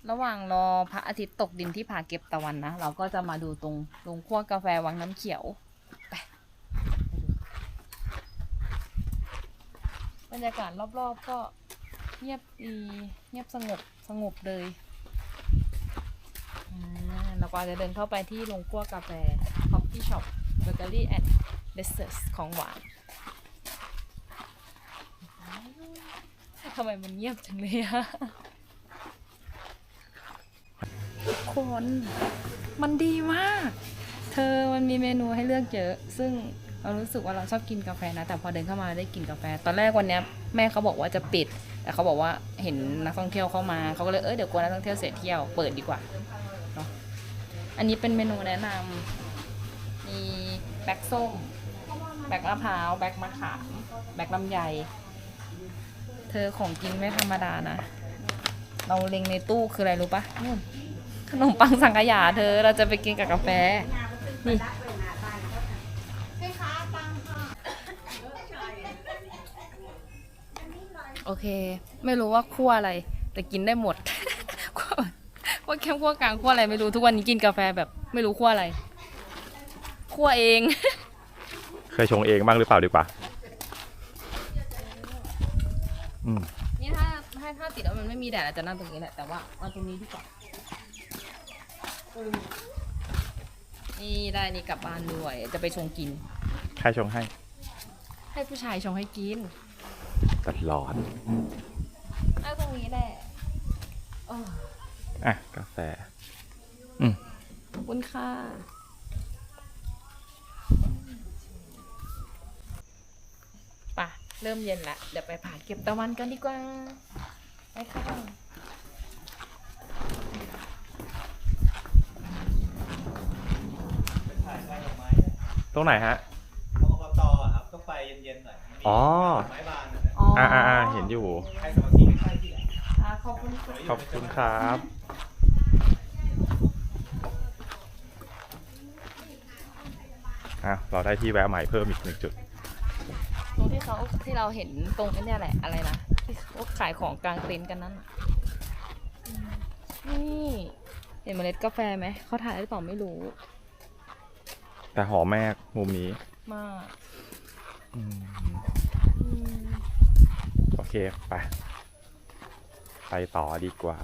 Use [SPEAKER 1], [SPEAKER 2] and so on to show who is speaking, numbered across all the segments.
[SPEAKER 1] ระหว่างรอพระอาทิตย์ตกดินที่ผาเก็บตะวันนะเราก็จะมาดูตรงโรงคั่วกาแฟวังน้ำเขียวไปบรรยากาศรอบๆก็เงียบดีเงียบสงบเลยเราก็จะเดินเข้าไปที่โรงคั่วกาแฟ Coffee Shop Bakery and Desserts ของหวานทำไมมันเงียบจังเลยอะทุกคนมันดีมากมันมีเมนูให้เลือกเยอะซึ่งเรารู้สึกว่าเราชอบกินกาแฟนะแต่พอเดินเข้ามาได้กินกาแฟตอนแรกวันนี้แม่เขาบอกว่าจะปิดแต่เขาบอกว่าเห็นนักท่องเที่ยวเข้ามาเขาก็เลยเดี๋ยวกลัวนักท่องเที่ยวเสียเที่ยวเปิดดีกว่าเนาะอันนี้เป็นเมนูแนะนำมีแบล็กส้มแบล็กมะพร้าวแบล็กมะขามแบล็กลำไยของกินไม่ธรรมดานะเราเล็งในตู้คืออะไรรู้ปะนู่นขนมปังสังขยาเราจะไปกินกับกาแฟนี่โอเคไม่รู้ว่าคั่วอะไรแต่กินได้หมด คั่วแคมคั่วกลางคั่วอะไรไม่รู้ทุกวันนี้กินกาแฟแบบไม่รู้คั่วอะไรคั่วเอง
[SPEAKER 2] เคยชงเองบ้างหรือเปล่าดีกว่า
[SPEAKER 1] นี่ถ้าติดแล้วมันไม่มีแดดอาจจะนั่งตรงนี้แหละแต่ว่าเอาตรงนี้ดีกว่านี่ได้นี่กลับบ้านด้วยจะไปชงกิน
[SPEAKER 2] ใครชงให้
[SPEAKER 1] ผู้ชายชงให้กิน
[SPEAKER 2] ตลอด
[SPEAKER 1] นั่งตรงนี้แหละ
[SPEAKER 2] กาแฟ
[SPEAKER 1] ขอบคุณค่ะป่ะเริ่มเย็นละเดี๋ยวไปผาเก็บตะวันกันดีกว่าไปค่ะ
[SPEAKER 2] ตรงไหนฮะ
[SPEAKER 3] อบต.ครับก็ไฟเย็นๆหน่อย
[SPEAKER 2] อ๋อ
[SPEAKER 3] ไม้บาน
[SPEAKER 2] เห็นอยู่
[SPEAKER 3] ใครสมาธิไม่ใช่ที่ไหน
[SPEAKER 1] ขอบคุณ
[SPEAKER 2] ครับเราได้ที่แวะใหม่เพิ่มอีก1 จุด
[SPEAKER 1] ตรงที่เราเห็นตรงนี้แหละอะไรนะที่เขาขายของกลางเต็นท์กันนั่นนี่เห็นเมล็ดกาแฟไหมเขาถ่ายหรือเปล่าไม่รู้
[SPEAKER 2] แต่หอมแม่มุมนี้
[SPEAKER 1] มาก
[SPEAKER 2] โอเคไปต่อดีกว่า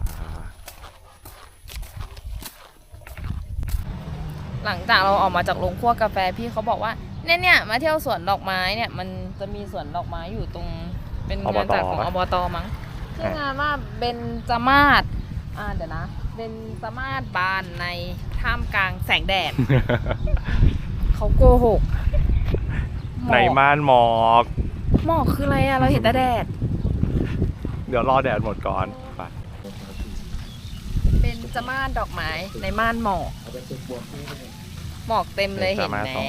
[SPEAKER 1] หลังจากเราออกมาจากโรงคั่วกาแฟพี่เขาบอกว่าเนี่ยมาเที่ยวสวนดอกไม้เนี่ยมันจะมีสวนดอกไม้อยู่ตรงเป็นงานจัดของอบต.มั้งชื่องานว่าเบญจมาศเดี๋ยวนะเบญจมาศบานในท่ามกลางแสงแดด เขาโกหก
[SPEAKER 2] ในม่านหมอก
[SPEAKER 1] คืออะไรเราเห็นแต่แดด
[SPEAKER 2] เดี๋ยวรอแดดหมดก่อนไป
[SPEAKER 1] เป็นจะม่านดอกไม้ในม่านหมอกเต็มเลยเห็นไหม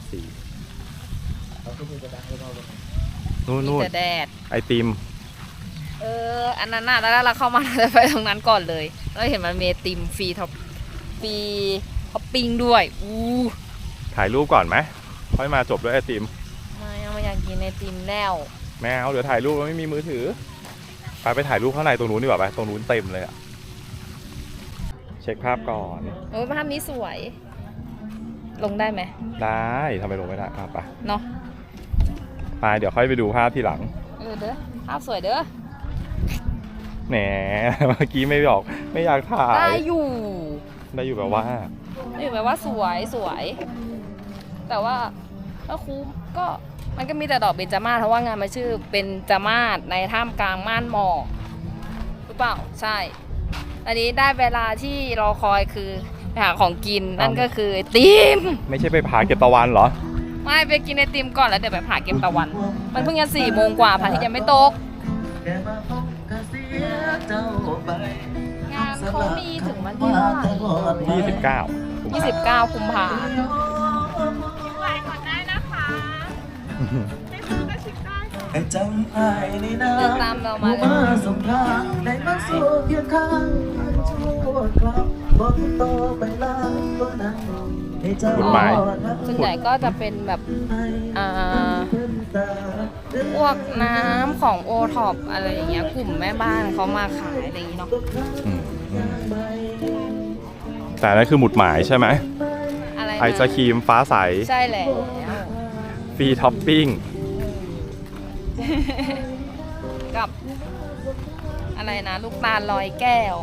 [SPEAKER 2] นู่น
[SPEAKER 1] แต่แดด
[SPEAKER 2] ไอติม
[SPEAKER 1] อันนั้นน่ะแล้วเราเข้ามาจะไปตรงนั้นก่อนเลยเราเห็นมันมีไอติมฟรีท็อปปิ้งด้วย
[SPEAKER 2] ถ่ายรูปก่อนไหมค่อยมาจบด้วยไอติม
[SPEAKER 1] ไม่อยากกินไอติมแล้ว
[SPEAKER 2] แม่เดี๋ยวถ่ายรูปไม่มีมือถือไปถ่ายรูปข้างในตรงนู้นดีกว่าไปตรงนู้นเต็มเลยเช็คภาพก่อน
[SPEAKER 1] ภาพนี้สวยลงได้ไหม
[SPEAKER 2] ได้ทำไมลงไม่ได้ไป
[SPEAKER 1] เนาะ
[SPEAKER 2] ไปเดี๋ยวค่อยไปดูภาพทีหลัง
[SPEAKER 1] เด้อภาพสวยเด้อ
[SPEAKER 2] แหมเมื่อกี้ไม่อยากถ่าย
[SPEAKER 1] ได้อยู่
[SPEAKER 2] แบบว่า
[SPEAKER 1] สวยแต่ว่าถ้าคุ้มก็มันก็มีแต่ดอกเบญจมาศเพราะว่างานมันชื่อเบญจมาศในท่ามกลางม่านหมอกหรือเปล่าใช่อันนี้ได้เวลาที่รอคอยคือไปหาของกินนั่นก็คือไอติม
[SPEAKER 2] ไม่ใช่ไปผาเก็บตะวันเหรอ
[SPEAKER 1] ไม่ไปกินไอติมก่อนแล้วเดี๋ยวไปผาเก็บตะวันมันเพิ่งจะ4 โมงกว่าพระอาทิตย์ยังไม่ตกงานเขามีถึงวันที่เท่าไหร่29 กุมภาพันธ์ไว้ก่อนได้นะคะไม่ซื้อก็ชิมได้ค่ะจำไอ้ในน้ำตามเรามาเลยสงครามได้มาสู้เคียงข้างชั่วคราวบอกโตไปล้างตัวนั้นส่วนใหญ่ก็จะเป็นแบบพวกน้ำของโอท็อปอะไรอย่างเงี้ยกลุ่มแม่บ้านเขามาขายอะไรอย่างงี้เนาะ
[SPEAKER 2] แต่นั่นคือหมุดหมายใช่ไหม
[SPEAKER 1] อะไรนะ
[SPEAKER 2] ไอศครีมฟ้าใส
[SPEAKER 1] ใช่แล้ว
[SPEAKER 2] ฟรีท็อปปิ้ง
[SPEAKER 1] กับ อะไรนะ ลูกตาลลอยแก้ว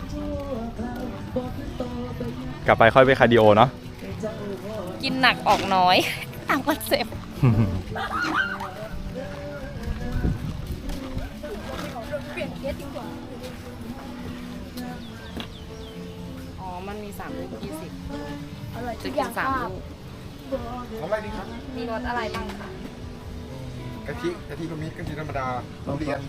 [SPEAKER 2] กลับไปค่อยไปคาร์ดิโอเนาะ
[SPEAKER 1] กินหนักออกน้อย ตามคอนเซ็ปต์อ๋อ มันมี3ลูก20จะกิน3ลูก
[SPEAKER 4] เอาอะไรดีครับ
[SPEAKER 1] มีรสอะไรบ้างคะ
[SPEAKER 4] กะทิก็มีกะทิธรรมดาทุเรียน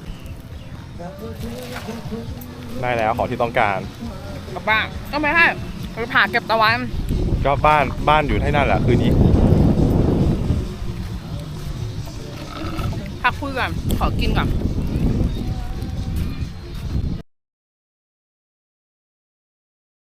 [SPEAKER 2] ได้แล้วของที่ต้องการ
[SPEAKER 1] กลับบ้านก็ไม่ให้ไปผ่าเก็บตะวัน
[SPEAKER 2] ก็บ้านอยู่ที่นั่นแหละคืนนี้
[SPEAKER 1] พักคุยก่อน ขอกินก่อน